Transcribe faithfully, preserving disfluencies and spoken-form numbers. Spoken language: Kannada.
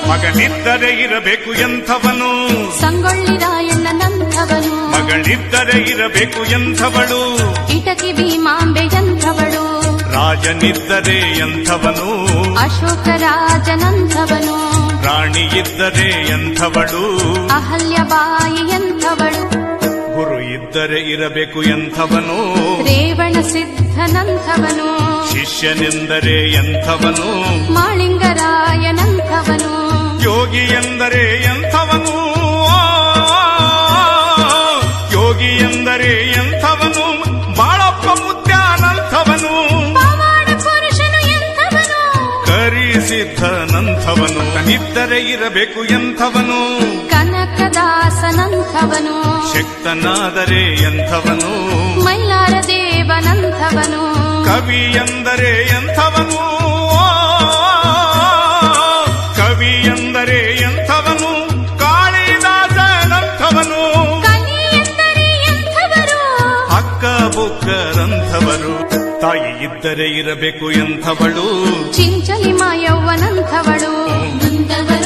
ಮಗನಿದ್ದರೆ ಇರಬೇಕು ಎಂಥವನು, ಸಂಗೊಳ್ಳಿ ರಾಯಣ್ಣನಂಥವನು. ಮಗಳಿದ್ದರೆ ಇರಬೇಕು ಎಂಥವಳು, ಕಿಟಕಿ ಭೀಮಾಂಬೆ ಎಂಥವಳು. ರಾಜನಿದ್ದರೆ ಎಂಥವನು, ಅಶೋಕ ರಾಜನಂಥವನು. ರಾಣಿ ಇದ್ದರೆ ಎಂಥವಳು, ಅಹಲ್ಯಬಾಯಿ ಎಂಥವಳು. ಗುರು ಇದ್ದರೆ ಇರಬೇಕು ಎಂಥವನು, ರೇವಣ ಸಿದ್ಧನಂಥವನು. ಶಿಷ್ಯನೆಂದರೆ ಎಂಥವನು, ಮಾಳಿಂಗರಾಯನಂಥವನು. ಯೋಗಿ ಎಂದರೆ ಎಂಥವನು, ಯೋಗಿ ಎಂದರೆ ಎಂಥವನು, ಬಾಳಪ್ಪ ಮುತ್ಯಾನಂಥವನು. ಪವಾಡ ಪುರುಷನು ಎಂಥವನು, ಕರಿಸಿದ್ಧನಂಥವನು. ಇದ್ದರೆ ಇರಬೇಕು ಎಂಥವನು, ಕನಕದಾಸನಂಥವನು. ಶಕ್ತನಾದರೆ ಎಂಥವನು, ಮೈಲಾರ ದೇವನಂಥವನು. ಕವಿ ಎಂದರೆ ಎಂಥವನು, ಕವಿ ಎಂದರೆ ಎಂಥವನು, ಕಾಳಿದಾಸನಂಥವನು. ಕಲಿ ಎಂದರೆ ಎಂಥವರು, ಅಕ್ಕ ಬುಕ್ಕರಂಥವರು. ತಾಯಿ ಇದ್ದರೆ ಇರಬೇಕು ಎಂಥವಳು, ಚಿಂಚಲಿ ಮಾಯವ್ವನಂಥವಳು.